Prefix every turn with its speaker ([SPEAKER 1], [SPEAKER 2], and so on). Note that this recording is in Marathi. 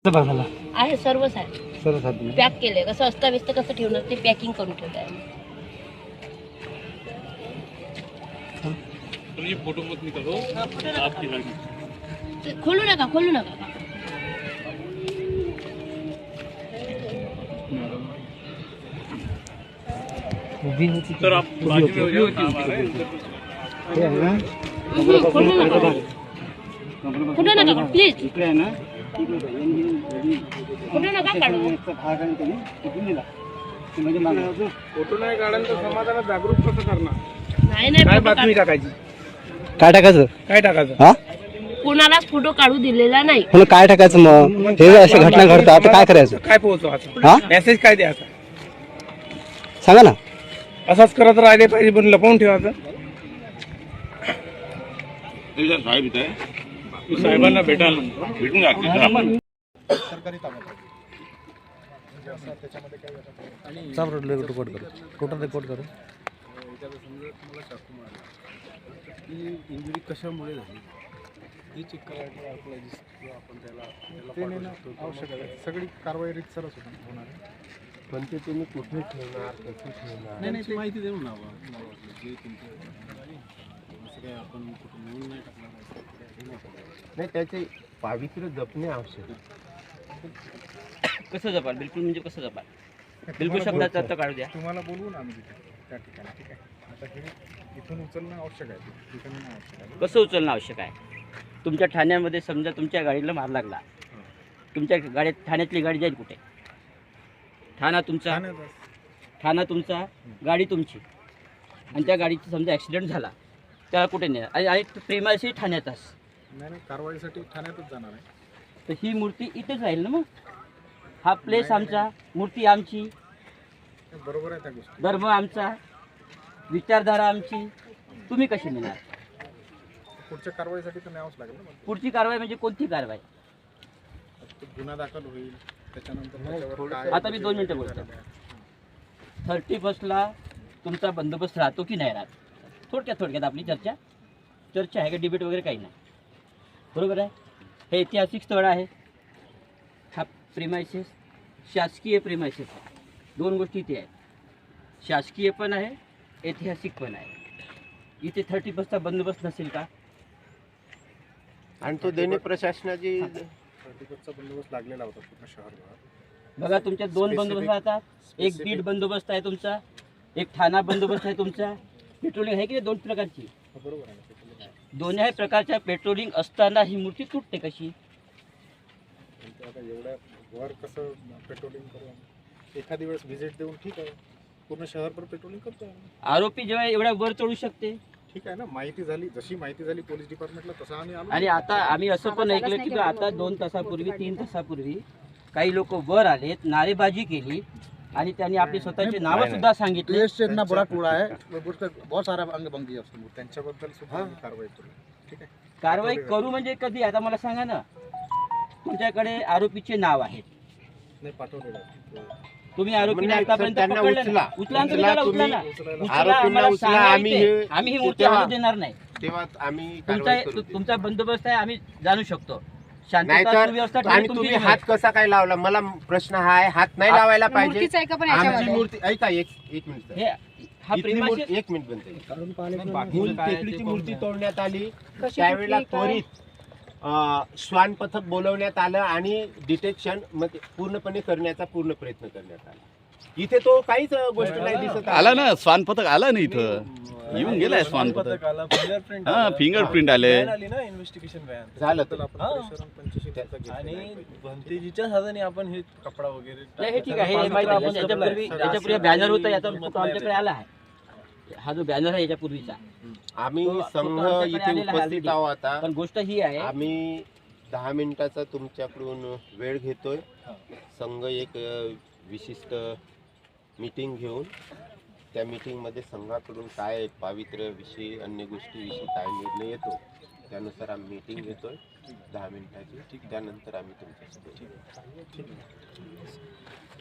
[SPEAKER 1] बघायला
[SPEAKER 2] आहे सर्वच आहे,
[SPEAKER 1] सर्व साधन
[SPEAKER 2] पॅक केलंय. कसं असता व्यस्त कसं ठेवणार ते पॅकिंग करून ठेवलं आहे.
[SPEAKER 3] फोटो मत निकालो आपकी गाड़ी
[SPEAKER 2] खोलू नका, खोलू नका.
[SPEAKER 1] उभी होती
[SPEAKER 3] सर आप बाजू में हो जाओ, काम आ रहा है
[SPEAKER 1] हे आहे ना
[SPEAKER 2] खोलू नका प्लीज,
[SPEAKER 1] इकडे आहे ना
[SPEAKER 2] खोलू नका काढू.
[SPEAKER 1] म्हणजे
[SPEAKER 3] फोटो नाही काढाल तर समाजाला जागरूक कसं करणार?
[SPEAKER 2] नाही
[SPEAKER 3] काय
[SPEAKER 2] फोटो
[SPEAKER 3] बातमी टाकायची?
[SPEAKER 1] काय टाकायचं
[SPEAKER 3] काय टाकायचं?
[SPEAKER 1] हा
[SPEAKER 2] कोणालाच फोटो काढू दिलेला नाही.
[SPEAKER 1] म्हणून काय टाकायचं मग? हे अशा घटना घडतात आता काय करायचं?
[SPEAKER 3] काय पोहोचवायचं?
[SPEAKER 1] हा
[SPEAKER 3] मेसेज काय द्यायचा?
[SPEAKER 1] सांगा ना.
[SPEAKER 3] असंच करत राहिले पाहिजे, पण लपवून ठेवायचं. साहेबांना भेटायला भेटून
[SPEAKER 4] सरकारी ताब्यात म्हणजे असं त्याच्यामध्ये काही
[SPEAKER 1] टोटल रिपोर्ट करू.
[SPEAKER 4] मला चाकू मारला ही इंजुरी कशामुळे झाली ही चेक करायला आपण त्याला आवश्यक आहे. सगळी कारवाई रितसरच होणार आहे.
[SPEAKER 5] पण ते तुम्ही कुठे ठेवणार, कसे ठेवणार?
[SPEAKER 4] नाही ती माहिती देऊ ना जे तुमचे आपण कुठे मिळून नाही टाकणार
[SPEAKER 5] नाही, त्याचे पावित्र्य जपणे आवश्यक आहे.
[SPEAKER 6] कसं जपाल? बिलकुल म्हणजे कसं जपाल? बिलकुल शब्दाचा अर्थ काढू द्या.
[SPEAKER 4] तुम्हाला बोलवू ना आम्ही तिथे त्या ठिकाणी. ठीक आहे, आता हे इथून उचलणं आवश्यक आहे, तिथून नाही आवश्यक आहे.
[SPEAKER 6] कसं उचलणं आवश्यक आहे? तुमच्या ठाण्यामध्ये समजा तुमच्या गाडीला मार लागला, तुमच्या गाडीत ठाण्यातली गाडी जाईल कुठे? ठाणा तुमचा, गाडी तुमची, आणि त्या गाडीची समजा ॲक्सिडेंट झाला, त्याला कुठे नेणार? आणि प्रेमाशी ठाण्यातच
[SPEAKER 4] नाही कारवाईसाठी ठाण्यातच जाणार आहे.
[SPEAKER 6] तर ही मूर्ती इथेच राहील ना. मग हा प्लेस आमचा, मूर्ती आमची,
[SPEAKER 4] बरोबर आहे त्या गोष्टी.
[SPEAKER 6] धर्म आमचा, विचारधारा आमची, तुम्ही कशी नेणार?
[SPEAKER 4] पुढच्या कारवाईसाठी तर न्यावंच लागेल ना.
[SPEAKER 6] पुढची कारवाई म्हणजे कोणती कारवाई?
[SPEAKER 4] तो गुन्हा दाखल होईल, त्याच्यानंतर त्याच्यावर काय
[SPEAKER 6] आता मी 2 मिनिटं बोलतो. 31ला तुमचा बंदोबस्त राहतो की नाही राहत? थोडक्यात आपली चर्चा आहे का? डिबेट वगैरे काही नाही, बरोबर आहे? हे ऐतिहासिक स्थळ आहे, हा प्रेमायसेस, शासकीय प्रेमायसेस आहे. 2 गोष्टी इथे आहेत, शासकीय पण आहे, ऐतिहासिक पण आहे. इथे 31चा बंदोबस्त नसेल का?
[SPEAKER 5] आणि तो देणे प्रशासनाची
[SPEAKER 4] 31चा बंदोबस्त लागलेला होता पूर्ण शहरभर.
[SPEAKER 6] बघा, तुमच्या 2 बंदोबस्त राहतात. एक बीड बंदोबस्त आहे तुमचा, एक ठाणा बंदोबस्त आहे तुमचा. पेट्रोलिंग आहे की 2 प्रकारची?
[SPEAKER 4] बरोबर आहे ना.
[SPEAKER 6] दोन्ही प्रकारच्या पेट्रोलिंग असताना ही मूर्ती तुटते कशी?
[SPEAKER 4] आता एवढ्या वर कसं पेट्रोलिंग करू? एखादी वेळेस व्हिजिट देऊन ठीक आहे, पूर्ण शहरभर पेट्रोलिंग करतो.
[SPEAKER 6] आरोपी जेव्हा एवढ्या वर चढू शकते,
[SPEAKER 4] ठीक आहे ना. माहिती झाली, जशी माहिती झाली पोलीस डिपार्टमेंटला तसं आम्ही आलो.
[SPEAKER 6] आणि आता आम्ही असं पण ऐकलं की आता 2 तासापूर्वी 3 तासापूर्वी काही लोक वर आलेत, नारेबाजी केली, आणि त्यांनी आपली स्वतःची नावं सुद्धा सांगितली.
[SPEAKER 4] त्यांच्याबद्दल सुद्धा आम्ही कारवाई करू. ठीक आहे,
[SPEAKER 6] कारवाई करू म्हणजे कधी? आता मला सांगा ना. तुमच्याकडे आरोपीचे नाव आहेत,
[SPEAKER 4] नाही पाठवलेलं आहे.
[SPEAKER 6] तुम्ही आरोपीने
[SPEAKER 5] म्हणजे
[SPEAKER 6] आतापर्यंत
[SPEAKER 5] त्यांना
[SPEAKER 6] पकडलं
[SPEAKER 5] उचला.
[SPEAKER 6] नाही. उचला आणि तुम्ही त्याला उचला ना. उचला,
[SPEAKER 5] आरोपींना
[SPEAKER 6] आम्हाला
[SPEAKER 5] उचला.
[SPEAKER 6] सांगायचे. आम्ही ही मूर्ती
[SPEAKER 5] तेव्हा-
[SPEAKER 6] आणू देणार नाही.
[SPEAKER 5] तेव्हा आम्ही कारवाई करू.
[SPEAKER 6] तुमचा बंदोबस्त आहे, आम्ही जाणू शकतो. शांतता
[SPEAKER 5] नाहीतर
[SPEAKER 6] सुव्यवस्था
[SPEAKER 5] आणि
[SPEAKER 6] ठेवणे
[SPEAKER 5] तुम्ही
[SPEAKER 6] तुमची
[SPEAKER 5] हात कसा काय लावला? मला प्रश्न हा आहे, हात नाही लावायला पाहिजे.
[SPEAKER 7] मूर्तीचं आहे का पण
[SPEAKER 5] आमची
[SPEAKER 7] याच्यामध्ये?
[SPEAKER 5] मूर्ती ऐका, एक मिनिट
[SPEAKER 6] हे हा
[SPEAKER 5] इथली
[SPEAKER 6] प्रेमाशी
[SPEAKER 5] मूर्ती, 1 मिनिट बनते. मूल टेकडीची मूर्ती तोडण्यात आली, त्यावेळेला त्वरित श्वान पथक बोलवण्यात आलं आणि डिटेक्शन पूर्णपणे करण्याचा पूर्ण प्रयत्न करण्यात आला. इथे तो काहीच गोष्ट नाही दिसत
[SPEAKER 8] आला ना. स्वान पथक आला ना, इथं येऊन गेलाय स्वान पथक. हा, फिंगरप्रिंट आले.
[SPEAKER 4] इन्व्हेस्टिगेशन
[SPEAKER 5] झालं तर.
[SPEAKER 4] आणि
[SPEAKER 9] भंतेजीच्या साधने आपण हे कपडा वगैरे
[SPEAKER 6] नाही, हे ठीक आहे. हे माहिती आहे. याच्यापूर्वी बॅनर होता, याचा फोटो आमच्याकडे आला आहे. हा जो बॅनर आहे याच्यापूर्वीचा,
[SPEAKER 5] आम्ही
[SPEAKER 6] तो
[SPEAKER 5] संघ
[SPEAKER 6] आमच्याकडे
[SPEAKER 5] इथे
[SPEAKER 6] आलेला आहे
[SPEAKER 5] उपस्थित
[SPEAKER 6] already.
[SPEAKER 5] आहोत. आता
[SPEAKER 6] पण गोष्ट ही आहे,
[SPEAKER 5] आम्ही 10 मिनिटाचा तुमच्याकडून वेळ घेतोय. संघ एक विशिष्ट मीटिंग घेऊन त्या मीटिंगमध्ये संघाकडून काय पावित्र्याविषयी, अन्य गोष्टीविषयी काय निर्णय येतो त्यानुसार आम्ही मीटिंग घेतोय 10 मिनिटाची. त्यानंतर आम्ही तुमच्यासोबत